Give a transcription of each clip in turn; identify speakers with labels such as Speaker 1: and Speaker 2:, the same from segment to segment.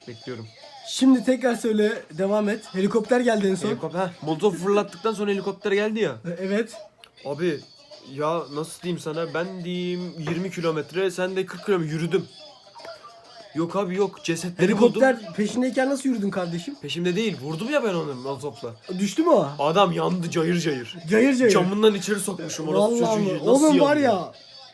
Speaker 1: Bekliyorum.
Speaker 2: Şimdi tekrar söyle, devam et. Helikopter geldi en son.
Speaker 1: Helikopter. Molotov fırlattıktan sonra helikopter geldi ya.
Speaker 2: Evet.
Speaker 1: Abi ya nasıl diyeyim sana, ben diyeyim 20 kilometre, sen de 40 kilometre yürüdüm. Yok abi yok, cesetleri buldum.
Speaker 2: Helikopter peşindeyken nasıl yürüdün kardeşim?
Speaker 1: Peşimde değil, vurdum ya ben onu Molotov'la.
Speaker 2: Düştü mü o?
Speaker 1: Adam yandı cayır cayır.
Speaker 2: Cayır cayır.
Speaker 1: Camından içeri sokmuşum orası
Speaker 2: Vallahi
Speaker 1: çocuğu.
Speaker 2: mi?
Speaker 1: Nasıl
Speaker 2: Oğlum
Speaker 1: yandı?
Speaker 2: var ya.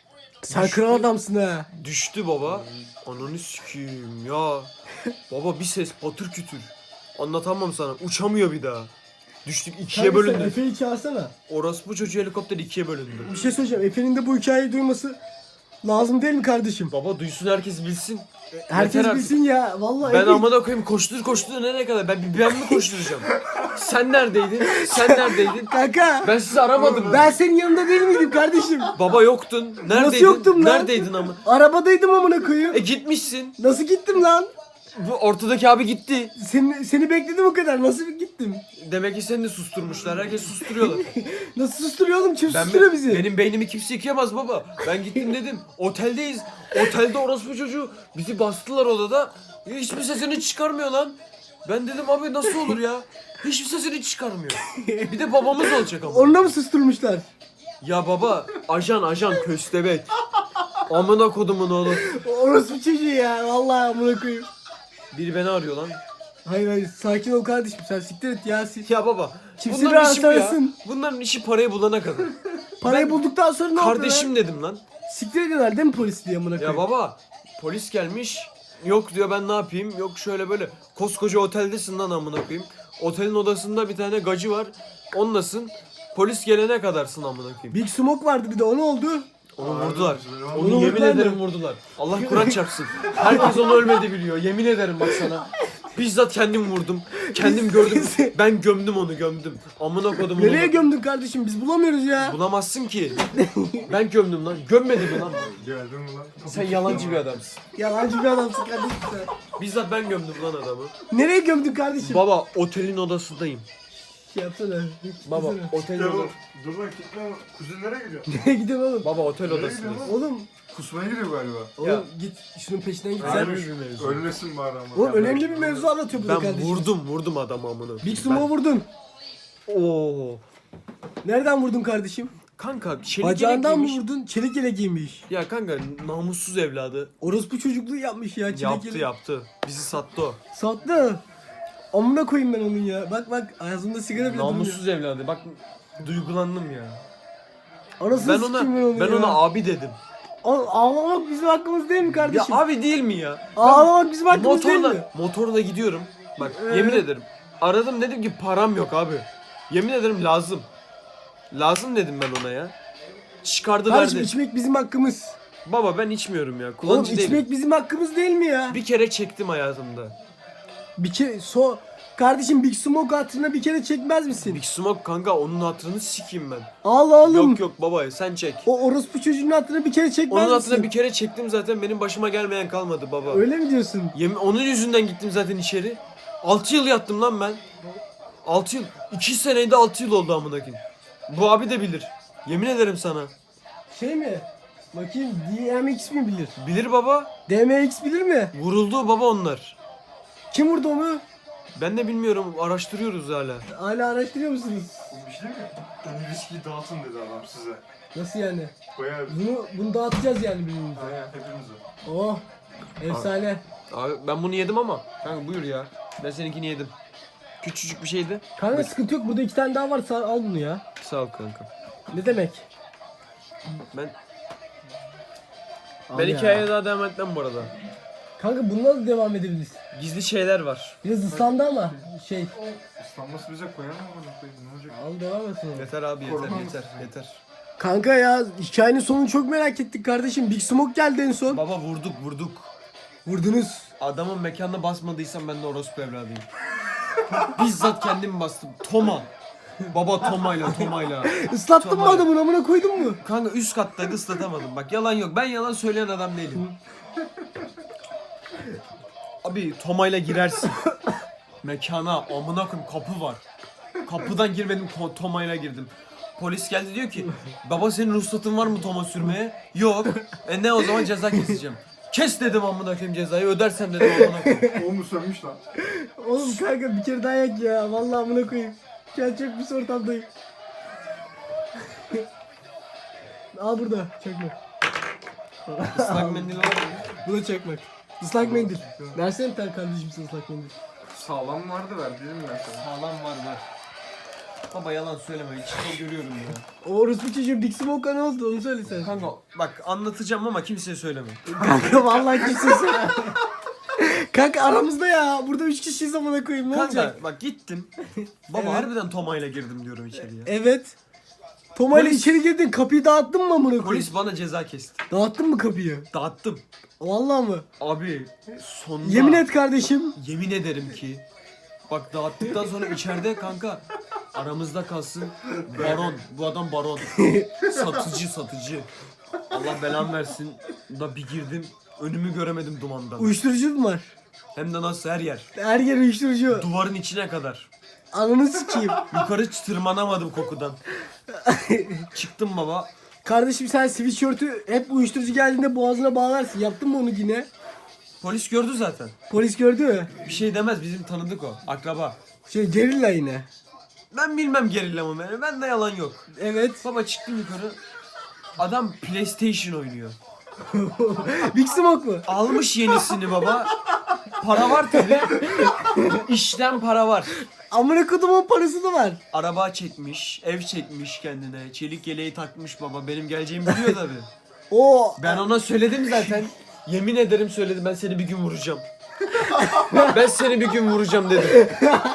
Speaker 2: Sen
Speaker 1: Düştü.
Speaker 2: kral adamsın ha.
Speaker 1: Düştü baba. Ananı sikeyim ya. Baba bir ses patır kütür. Anlatamam sana. Uçamıyor bir daha. Düştük, ikiye
Speaker 2: Kanka sen
Speaker 1: bölündü.
Speaker 2: Efe'yi çağırsana.
Speaker 1: Orospu çocuğu helikopter ikiye bölündü.
Speaker 2: Bir şey söyleyeceğim. Efe'nin de bu hikayeyi duyması lazım değil mi kardeşim?
Speaker 1: Baba duysun, herkes bilsin.
Speaker 2: Herkes
Speaker 1: Yeter
Speaker 2: bilsin ya. Vallahi
Speaker 1: Ben
Speaker 2: Efe...
Speaker 1: amına koyayım, koştur nereye kadar? Ben mi koşturacağım? Sen neredeydin? Sen neredeydin?
Speaker 2: Kanka.
Speaker 1: Ben sizi aramadım.
Speaker 2: Ben senin yanında değil miydim kardeşim?
Speaker 1: Baba yoktun. Neredeydin?
Speaker 2: Nasıl yoktum lan?
Speaker 1: Neredeydin ama?
Speaker 2: Arabadaydım amına koyayım.
Speaker 1: Gitmişsin.
Speaker 2: Nasıl gittim lan?
Speaker 1: Bu ortadaki abi gitti.
Speaker 2: Seni bekledim o kadar. Nasıl gittim?
Speaker 1: Demek ki seni de susturmuşlar. Herkes susturuyorlar.
Speaker 2: Nasıl susturuyor oğlum? Kim susturuyor bizi?
Speaker 1: Benim beynimi kimse yıkayamaz baba. Ben gittim dedim. Oteldeyiz. Otelde orospu çocuğu bizi bastılar odada. Hiçbir sesini çıkarmıyor lan. Ben dedim abi nasıl olur ya? Hiçbir sesini çıkarmıyor. Bir de babamız olacak ama.
Speaker 2: Onunla mı susturmuşlar?
Speaker 1: Ya baba, ajan köstebek. Amına kodumun oğlu.
Speaker 2: Orası çocuğu ya. Vallahi amına koyayım.
Speaker 1: Biri beni arıyor lan.
Speaker 2: Hayır sakin ol kardeşim, sen siktir et ya.
Speaker 1: Ya baba,
Speaker 2: Kimse
Speaker 1: bunların işi bu ya.
Speaker 2: rahatsızsın.
Speaker 1: Bunların işi parayı bulana kadar.
Speaker 2: Parayı
Speaker 1: Ben
Speaker 2: bulduktan sonra ne oldu lan?
Speaker 1: Kardeşim dedim lan.
Speaker 2: Siktir ediyorlar değil mi polis diye amına
Speaker 1: Ya
Speaker 2: koyayım?
Speaker 1: baba, polis gelmiş. Yok diyor, ben ne yapayım? Yok şöyle böyle. Koskoca oteldesin lan amına koyayım. Otelin odasında bir tane gacı var. Onlasın. Polis gelene kadarsın amına koyayım.
Speaker 2: Big Smoke vardı bir de, o ne oldu?
Speaker 1: Onu vurdular.
Speaker 2: Onu
Speaker 1: Onu yemin
Speaker 2: vurdular mı?
Speaker 1: ederim vurdular. Allah Kur'an çarpsın. Herkes onu ölmedi biliyor. Yemin ederim bak sana. Bizzat kendim vurdum. Kendim gördüm. Ben gömdüm onu, gömdüm. Amına kodum onu.
Speaker 2: Nereye gömdün kardeşim, biz bulamıyoruz ya.
Speaker 1: Bulamazsın ki. Ben gömdüm lan. Gömmedim mi lan?
Speaker 3: Geldin mi lan?
Speaker 1: Sen yalancı bir adamsın.
Speaker 2: Yalancı bir adamsın kardeşim sen.
Speaker 1: Bizzat ben gömdüm lan adamı.
Speaker 2: Nereye gömdün kardeşim?
Speaker 1: Baba otelin odasındayım.
Speaker 2: Şey yapsana.
Speaker 1: Baba
Speaker 2: gitsene.
Speaker 1: otelin
Speaker 3: Ya bu,
Speaker 1: odası.
Speaker 3: dur lan kitle mi? Kuzen nereye gidiyor?
Speaker 2: Nereye gidiyorsun oğlum?
Speaker 1: Baba otel
Speaker 3: Nereye
Speaker 1: odasındayız.
Speaker 3: gidiyorsun
Speaker 2: Oğlum.
Speaker 3: Kusmaya gidiyor galiba.
Speaker 2: Oğlum git şunun peşinden git sen.
Speaker 1: Önemli bir mevzu.
Speaker 3: Ölmesin bari ama.
Speaker 2: Oğlum önemli bir mevzu anlatıyor burada
Speaker 1: Ben
Speaker 2: kardeşim.
Speaker 1: vurdum adamı amına.
Speaker 2: Big Smoke'u vurdun.
Speaker 1: Oo.
Speaker 2: Nereden vurdun kardeşim?
Speaker 1: Kanka çelik
Speaker 2: Bacağından
Speaker 1: yelek
Speaker 2: mı
Speaker 1: giymiş.
Speaker 2: vurdun? Çelik yelek giymiş.
Speaker 1: Ya kanka namussuz evladı.
Speaker 2: Orospu çocukluğu yapmış ya. Çelik
Speaker 1: Yaptı. Bizi sattı o.
Speaker 2: Sattı. Amına koyayım ben onun ya. Bak ağzımda sigara bile durmuyor.
Speaker 1: Namussuz evladı. Bak duygulandım ya.
Speaker 2: Anasını
Speaker 1: Ben
Speaker 2: sikeyim
Speaker 1: ona ben
Speaker 2: ya.
Speaker 1: ona abi dedim.
Speaker 2: Ağlamak bizim hakkımız değil mi
Speaker 1: Ya
Speaker 2: kardeşim?
Speaker 1: abi değil mi ya?
Speaker 2: Ağlamak bizim hakkımız değil mi?
Speaker 1: Motorla gidiyorum. Bak yemin ederim. Aradım, dedim ki param yok abi. Yemin ederim lazım. Lazım dedim ben ona ya. Çıkardı
Speaker 2: Kardeşim
Speaker 1: verdi.
Speaker 2: içmek bizim hakkımız.
Speaker 1: Baba ben içmiyorum ya.
Speaker 2: Oğlum
Speaker 1: Kullanıcı değilim.
Speaker 2: içmek bizim hakkımız değil mi ya?
Speaker 1: Bir kere çektim hayatımda.
Speaker 2: Bir kere kardeşim Big Smoke hatırına bir kere çekmez misin?
Speaker 1: Big Smoke kanka, onun hatırını sikeyim ben.
Speaker 2: Allah oğlum.
Speaker 1: Yok baba sen çek.
Speaker 2: O orospu çocuğun hatırına bir kere çekmez
Speaker 1: Onun
Speaker 2: misin?
Speaker 1: hatırına bir kere çektim zaten, benim başıma gelmeyen kalmadı baba.
Speaker 2: Öyle mi diyorsun?
Speaker 1: Onun yüzünden gittim zaten içeri. 6 yıl yattım lan ben. 6 yıl. 2 seneydi 6 yıl oldu amına koyayım. Bu abi de bilir. Yemin ederim sana.
Speaker 2: Şey mi? Bakayım DMX mi bilir?
Speaker 1: Bilir baba.
Speaker 2: DMX bilir mi?
Speaker 1: Vuruldu baba onlar.
Speaker 2: Kim vurdu onu?
Speaker 1: Ben de bilmiyorum. Araştırıyoruz hala.
Speaker 2: Hala araştırıyor musunuz?
Speaker 3: Bu bir şey mi? Ön ilişkiyi dağıtın dedi adam size.
Speaker 2: Nasıl yani?
Speaker 3: Bayağı
Speaker 2: Bunu dağıtacağız yani birbirimize.
Speaker 3: Aynen hepimize.
Speaker 2: Oh. Efsane.
Speaker 1: Abi ben bunu yedim ama. Kanka buyur ya. Ben seninkini yedim. Küçücük bir şeydi.
Speaker 2: Kanka sıkıntı yok. Burada 2 tane daha var. Al bunu ya.
Speaker 1: Sağ ol kanka.
Speaker 2: Ne demek?
Speaker 1: Ben
Speaker 2: Al
Speaker 1: ben
Speaker 2: ya.
Speaker 1: hikayeye daha devam etmem bu arada.
Speaker 2: Kanka bununla da devam edebiliriz.
Speaker 1: Gizli şeyler var.
Speaker 2: Biraz ıslandı ama şey.
Speaker 3: İstanması bize koyamam ama ne olacak?
Speaker 2: Al devam et sonra.
Speaker 1: Yeter abi yeter
Speaker 3: Korkmaz.
Speaker 1: yeter.
Speaker 2: Kanka ya hikayenin sonunu çok merak ettik kardeşim. Big Smoke geldi en son.
Speaker 1: Baba vurduk.
Speaker 2: Vurdunuz.
Speaker 1: Adamın mekanına basmadıysam ben de orospu evladıyım. Bizzat kendim bastım. Toma. Baba Toma'yla.
Speaker 2: Islattın mı
Speaker 1: Tamam.
Speaker 2: adamın, amına koydun mu?
Speaker 1: Kanka üst kattaydı, ıslatamadım. Bak yalan yok. Ben yalan söyleyen adam değilim. Abi Toma'yla girersin. Mekana amına koyayım, kapı var. Kapıdan girmedim, Toma'yla girdim. Polis geldi, diyor ki baba senin ruhsatın var mı Toma sürmeye? Yok. Ne o zaman ceza keseceğim. Kes dedim amına koyayım cezayı ödersem dedim amına koyayım.
Speaker 3: O mu sönmüş lan?
Speaker 2: Oğlum kanka bir kere daha yak ya. Vallahi amına koyayım. Gel çok pis ortamdayım. Al burada çakmak.
Speaker 1: Islak mendil var mı?
Speaker 2: Bu da çakmak. Islak mendil. Versene bir tane kardeşim sana ıslak mendil.
Speaker 3: Sağlam vardı ver dedim ben sana.
Speaker 1: Sağlam var. Baba yalan söyleme içinde görüyorum ya.
Speaker 2: O orospu çocuğun Big Smoke'a ne oldu onu söylesene.
Speaker 1: Kanka bak anlatacağım ama kimseye söyleme.
Speaker 2: Kanka vallahi kimsin sen? Kanka aramızda ya. Burada 3 kişiyiz amına koyayım ne olacak?
Speaker 1: Kanka bak gittim. Baba
Speaker 2: Evet.
Speaker 1: harbiden Toma'yla girdim diyorum içeriye.
Speaker 2: Evet. Toma'yla
Speaker 1: Polis-
Speaker 2: içeri girdin kapıyı dağıttın mı amına koyayım?
Speaker 1: Polis bana ceza kesti.
Speaker 2: Dağıttın mı kapıyı?
Speaker 1: Dağıttım.
Speaker 2: Vallahi mı?
Speaker 1: Abi sonunda.
Speaker 2: Yemin et kardeşim.
Speaker 1: Yemin ederim ki. Bak dağıttıktan sonra içeride kanka aramızda kalsın baron. Bu adam baron. Satıcı. Allah belamı versin. Da bir girdim. Önümü göremedim dumandan.
Speaker 2: Uyuşturucu mu var?
Speaker 1: Hem de nasıl her yer.
Speaker 2: Her yer uyuşturucu.
Speaker 1: Duvarın içine kadar.
Speaker 2: Ananı sikeyim.
Speaker 1: Yukarı tırmanamadım kokudan. Çıktım baba.
Speaker 2: Kardeşim sen sweatshirt'ü hep uyuşturucu geldiğinde boğazına bağlarsın. Yaptın mı onu yine?
Speaker 1: Polis gördü zaten.
Speaker 2: Polis gördü mü?
Speaker 1: Bir şey demez bizim tanıdık o. Akraba.
Speaker 2: Gerilla yine.
Speaker 1: Ben bilmem gerillamı beni. Bende yalan yok.
Speaker 2: Evet.
Speaker 1: Baba çıktım yukarı. Adam PlayStation oynuyor.
Speaker 2: Big Smoke mu?
Speaker 1: Almış yenisini baba. Para var tabi. İşten para var.
Speaker 2: Amına kodumun parası da var.
Speaker 1: Araba çekmiş, ev çekmiş kendine. Çelik yeleği takmış baba. Benim geleceğimi biliyor tabi.
Speaker 2: O
Speaker 1: Ben ona söyledim zaten. Yemin ederim söyledim ben seni bir gün vuracağım. Ben seni bir gün vuracağım dedim.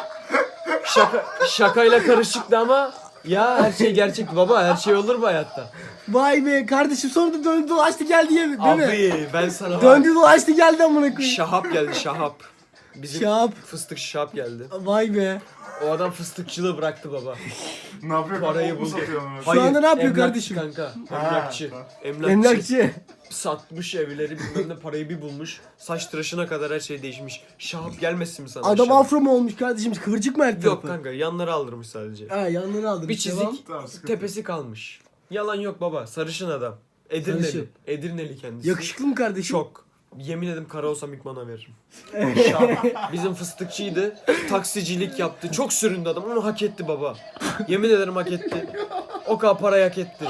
Speaker 1: Şakayla karışıktı ama ya her şey gerçek baba. Her şey olur mu hayatta?
Speaker 2: vay be kardeşim sonra da döndü dolaştı geldi değil mi?
Speaker 1: Abi ben sana bak.
Speaker 2: Döndü dolaştı geldi amına koyayım.
Speaker 1: Şahap geldi Şahap. Bizim
Speaker 2: Şahap.
Speaker 1: fıstık Şahap geldi.
Speaker 2: Vay be.
Speaker 1: O adam fıstıkçılığı bıraktı baba.
Speaker 3: Ne yapıyor?
Speaker 1: Parayı
Speaker 3: Mu
Speaker 1: buldu.
Speaker 3: satıyor onu?
Speaker 2: Şu anda ne yapıyor
Speaker 1: emlakçı
Speaker 2: kardeşim?
Speaker 1: Kanka.
Speaker 3: Ha,
Speaker 1: Emlakçı.
Speaker 3: ha.
Speaker 2: Emlakçı.
Speaker 1: Satmış evleri bilmem ne parayı bir bulmuş. Saç tıraşına kadar her şey değişmiş. Şahap gelmesin mi sana?
Speaker 2: Adam
Speaker 1: aşağıda?
Speaker 2: afro mu olmuş kardeşim? Kıvırcık mı her
Speaker 1: Yok
Speaker 2: tarafı?
Speaker 1: kanka yanları aldırmış sadece.
Speaker 2: Ha yanları aldım.
Speaker 1: Bir çizik
Speaker 3: Tamam, sıkıntı
Speaker 1: tepesi kalmış. Yalan yok baba sarışın adam. Edirneli.
Speaker 2: Sarışın.
Speaker 1: Edirneli kendisi.
Speaker 2: Yakışıklı mı kardeşim?
Speaker 1: Çok. Yemin ederim kara olsam ilk bana veririm. Bizim fıstıkçıydı. Taksicilik yaptı. Çok süründü adam. Onu hak etti baba. Yemin ederim hak etti. O kadar parayı hak etti.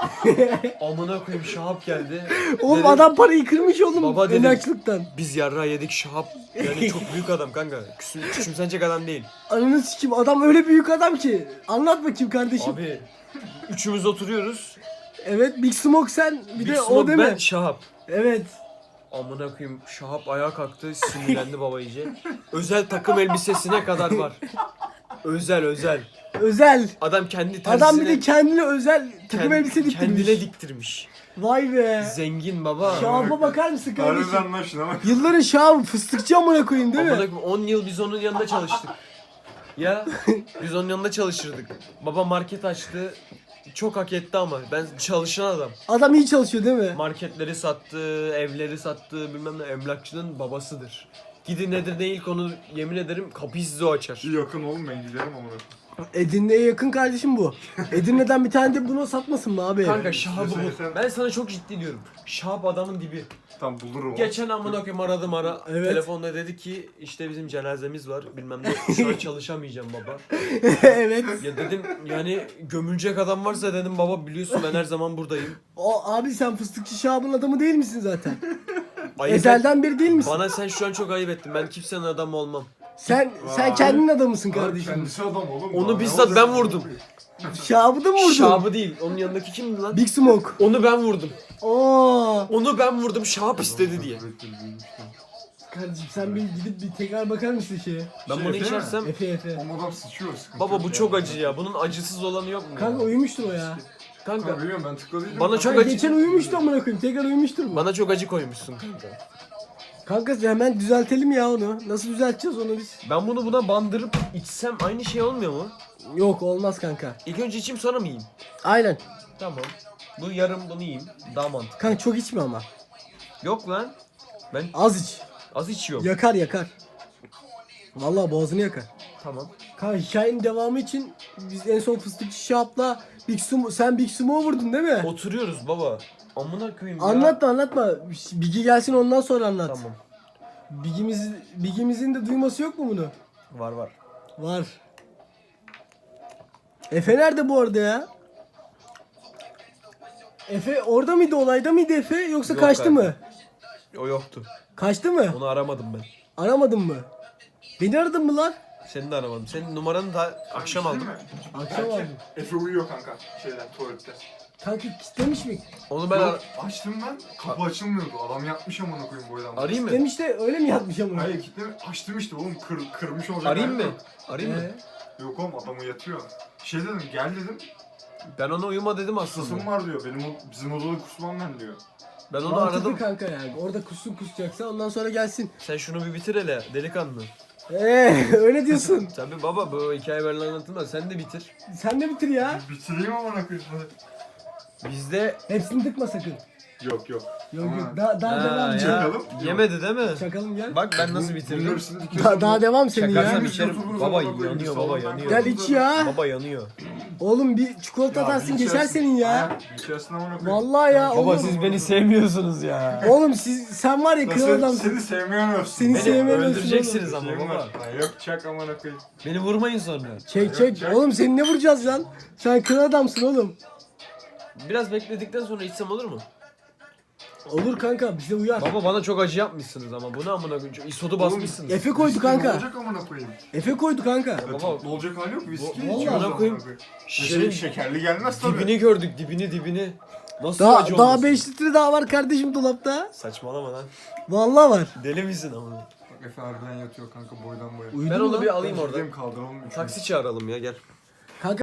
Speaker 1: Amına koyayım Şahap geldi.
Speaker 2: Oğlum
Speaker 1: Dedim,
Speaker 2: adam parayı kırmış oğlum
Speaker 1: Baba dedim.
Speaker 2: emlakçılıktan.
Speaker 1: biz yarrağı yedik Şahap. Yani çok büyük adam kanka. Küçümsenecek adam değil.
Speaker 2: Ananı sikim adam öyle büyük adam ki. Anlat bakayım kardeşim.
Speaker 1: Abi üçümüz oturuyoruz.
Speaker 2: Evet Big Smoke sen bir
Speaker 1: Big
Speaker 2: de o
Speaker 1: Smoke,
Speaker 2: değil mi?
Speaker 1: ben Şahap.
Speaker 2: Evet.
Speaker 1: Amına koyayım Şahap ayağa kalktı sinirlendi baba iyice. Özel takım elbisesine kadar var. Özel.
Speaker 2: Özel.
Speaker 1: Adam kendi tersine
Speaker 2: Adam bir de kendine özel takım elbise diktirmiş.
Speaker 1: kendine diktirmiş.
Speaker 2: Vay be.
Speaker 1: Zengin baba.
Speaker 2: Şahaba bakar mısın kardeşim?
Speaker 3: Harbiden lan şuna bak.
Speaker 2: Yılların şahı fıstıkçı amına koyayım değil
Speaker 1: Amına
Speaker 2: mi?
Speaker 1: koyayım 10 yıl biz onun yanında çalıştık. Ya biz onun yanında çalışırdık. Baba market açtı. Çok hak etti ama ben çalışan adam.
Speaker 2: Adam iyi çalışıyor değil mi?
Speaker 1: Marketleri sattı, evleri sattı, bilmem ne emlakçının babasıdır. Gidin nedir ne ilk onu yemin ederim kapıyı size o açar.
Speaker 3: İyi yakın oğlum ben giderim ama.
Speaker 2: Edirne'ye yakın kardeşim bu. Edirne'den bir tane de bunu satmasın mı abi?
Speaker 1: Kanka Şahab'ı
Speaker 3: Sen-
Speaker 1: bul. Ben sana çok ciddi diyorum. Şahap adamın dibi.
Speaker 3: Tam bulurum.
Speaker 1: Geçen amına koyayım aradım
Speaker 2: Evet.
Speaker 1: telefonda dedi ki işte bizim cenazemiz var bilmem ne şu an çalışamayacağım baba.
Speaker 2: Evet.
Speaker 1: Ya dedim yani gömülecek adam varsa dedim baba biliyorsun ben her zaman buradayım.
Speaker 2: O abi sen fıstıkçı Şahab'ın adamı değil misin zaten?
Speaker 1: Ayıp et-
Speaker 2: Ezelden beri değil misin?
Speaker 1: Bana sen şu an çok ayıp ettin. Ben kimsenin adamı olmam.
Speaker 2: Sen
Speaker 3: Vay.
Speaker 2: kendin adamısın
Speaker 3: Abi
Speaker 2: kardeşim.
Speaker 3: kendisi adam oğlum.
Speaker 1: Onu
Speaker 3: Daha ne
Speaker 1: bizzat
Speaker 3: olacak?
Speaker 1: ben vurdum.
Speaker 2: Şahab'ı da mı vurdun?
Speaker 1: Şahab'ı değil. Onun yanındaki kimdi lan?
Speaker 2: Big Smoke.
Speaker 1: Onu ben vurdum.
Speaker 2: Oo.
Speaker 1: Onu ben vurdum. Şahap istedi diye.
Speaker 2: Kardeşim sen bir gidip bir tekrar bakar mısın şeye?
Speaker 1: Ben
Speaker 3: Şey,
Speaker 1: bunu
Speaker 3: değil mi?
Speaker 1: içersem
Speaker 2: Efe.
Speaker 3: O adam sıçıyor sıkıntı.
Speaker 1: baba
Speaker 3: yok
Speaker 1: bu
Speaker 3: ya.
Speaker 1: çok acı ya. Bunun acısız olanı yok mu?
Speaker 2: Kanka
Speaker 1: ya?
Speaker 2: uyumuştur o ya.
Speaker 1: Kanka
Speaker 3: Kanka biliyorum ben tıkladıydım.
Speaker 1: Bana çok
Speaker 2: Kanka
Speaker 1: acı-
Speaker 2: geçen uyumuştu amına koyayım. Tekrar uyumuştur mu?
Speaker 1: bana çok acı koymuşsun kanka.
Speaker 2: Kanka hemen düzeltelim ya onu. Nasıl düzelteceğiz onu biz?
Speaker 1: Ben bunu buna bandırıp içsem aynı şey olmuyor mu?
Speaker 2: Yok olmaz kanka.
Speaker 1: İlk önce içeyim sonra mı yiyeyim?
Speaker 2: Aynen.
Speaker 1: Tamam. Bu yarım bunu yiyeyim. Daha mantıklı.
Speaker 2: Kanka çok içme ama.
Speaker 1: Yok lan. Ben
Speaker 2: Az iç.
Speaker 1: az içiyorum.
Speaker 2: Yakar. Vallahi boğazını yakar.
Speaker 1: Tamam.
Speaker 2: Kanka hikayenin devamı için biz en son fıstıkçı Şahap'la sen Big Sumo'yu vurdun değil mi?
Speaker 1: Oturuyoruz baba. Amına koyayım ya.
Speaker 2: Anlatma. Bigi gelsin ondan sonra anlat.
Speaker 1: Tamam.
Speaker 2: Bigimizin de duyması yok mu bunu?
Speaker 1: Var.
Speaker 2: Var. Efe nerede bu arada ya? Efe orada mıydı, olayda mıydı Efe yoksa
Speaker 1: Yok
Speaker 2: kaçtı
Speaker 1: kanka.
Speaker 2: mı?
Speaker 1: O yoktu.
Speaker 2: Kaçtı mı?
Speaker 1: Onu aramadım ben.
Speaker 2: Aramadın mı? Beni aradın mı lan?
Speaker 1: Seni de aramadım. Senin numaranı da akşam
Speaker 3: Değil
Speaker 1: aldım.
Speaker 3: mi?
Speaker 2: Akşam aldım.
Speaker 3: Efe uyuyor kanka tuvalette.
Speaker 2: Kanka kilitlemiş mi?
Speaker 1: Onu ben
Speaker 3: Yok, açtım ben. Kapı açılmıyordu. Adam yatmış amına koyayım boydan.
Speaker 1: arayayım mı?
Speaker 2: Kilitlemiş de öyle mi yatmış ama?
Speaker 3: Hayır kilitlemiş. Açtım işte oğlum. Kırmış olacak.
Speaker 1: Arayayım
Speaker 3: hali
Speaker 1: mı?
Speaker 3: yok.
Speaker 1: Arayayım mı?
Speaker 3: Yok oğlum adam uyatıyor. Şey dedim gel dedim.
Speaker 1: Ben ona uyuma dedim
Speaker 3: Kusum
Speaker 1: aslında.
Speaker 3: var diyor. Bizim odada kusmam ben diyor.
Speaker 1: Ben onu
Speaker 2: Mantıklı
Speaker 1: aradım.
Speaker 2: kanka yani. Orada kusacaksa ondan sonra gelsin.
Speaker 1: Sen şunu bir bitir hele delikanlı.
Speaker 2: Öyle diyorsun.
Speaker 1: Tabii baba bu hikaye böyle anlatılmaz. Sen de bitir.
Speaker 2: Sen de bitir ya.
Speaker 3: Bitireyim amına koyayım hadi.
Speaker 1: Bizde
Speaker 2: Hepsini tıkma sakın.
Speaker 3: Yok.
Speaker 2: Yok
Speaker 3: Ama-
Speaker 2: yok. Daha
Speaker 1: Ha,
Speaker 2: devam.
Speaker 1: ya,
Speaker 3: Çakalım.
Speaker 1: yemedi değil mi?
Speaker 2: Çakalım gel.
Speaker 1: Bak ben nasıl
Speaker 3: Bunun
Speaker 1: bitirdim.
Speaker 3: hepsini dikiyorsun.
Speaker 2: Daha devam senin
Speaker 1: Çakarsam
Speaker 2: ya.
Speaker 3: Biz
Speaker 1: içerim.
Speaker 3: YouTuber'ız
Speaker 1: Baba
Speaker 3: amına koyayım,
Speaker 1: yanıyor
Speaker 3: biz
Speaker 1: baba
Speaker 3: salondan
Speaker 1: yanıyor.
Speaker 2: Gel iç ya.
Speaker 1: Baba yanıyor.
Speaker 2: Oğlum bir çikolata atarsın geçer senin ya.
Speaker 3: İçerisine amına koyayım.
Speaker 2: Vallahi ya.
Speaker 1: Baba
Speaker 2: Oğlum,
Speaker 1: siz beni sevmiyorsunuz ya.
Speaker 2: oğlum sen var ya kral adamsın.
Speaker 3: Seni sevmeyen olsun.
Speaker 2: Seni
Speaker 1: Beni
Speaker 2: sevmiyorsun
Speaker 1: öldüreceksiniz ama
Speaker 3: Şeyim
Speaker 1: baba.
Speaker 3: var. Ha, yok çak amına koyayım.
Speaker 1: Beni vurmayın sonra.
Speaker 2: Çek. Oğlum seni ne vuracağız lan? Sen kral adamsın oğlum.
Speaker 1: Biraz bekledikten sonra içsem olur mu?
Speaker 2: Olur kanka bize uyar.
Speaker 1: Baba bana çok acı yapmışsınız ama bu ne amına koyayım? Çok isodu basmışsınız.
Speaker 2: Efe koydu
Speaker 3: Ne
Speaker 2: kanka.
Speaker 3: olacak amına koyayım?
Speaker 2: Efe koydu kanka.
Speaker 1: Baba
Speaker 3: Ne olacak hali yok. Viski
Speaker 2: Vallahi
Speaker 3: içiyoruz
Speaker 1: amına
Speaker 3: amına
Speaker 1: koyayım.
Speaker 3: koyayım.
Speaker 1: şişenin
Speaker 3: Şekerli gelmez tabii.
Speaker 1: dibini gördük dibini. Nasıl
Speaker 2: Daha
Speaker 1: acı olmasın?
Speaker 2: 5 litre daha var kardeşim dolapta.
Speaker 1: Saçmalama lan.
Speaker 2: Vallahi var.
Speaker 1: Deli misin amına?
Speaker 3: Bak Efe harbiden yatıyor kanka boydan boya.
Speaker 2: Uyudu
Speaker 1: Ben
Speaker 2: mu
Speaker 1: onu
Speaker 2: lan?
Speaker 1: bir alayım orada.
Speaker 3: Gideyim kaldıralım.
Speaker 1: Taksi çağıralım ya gel.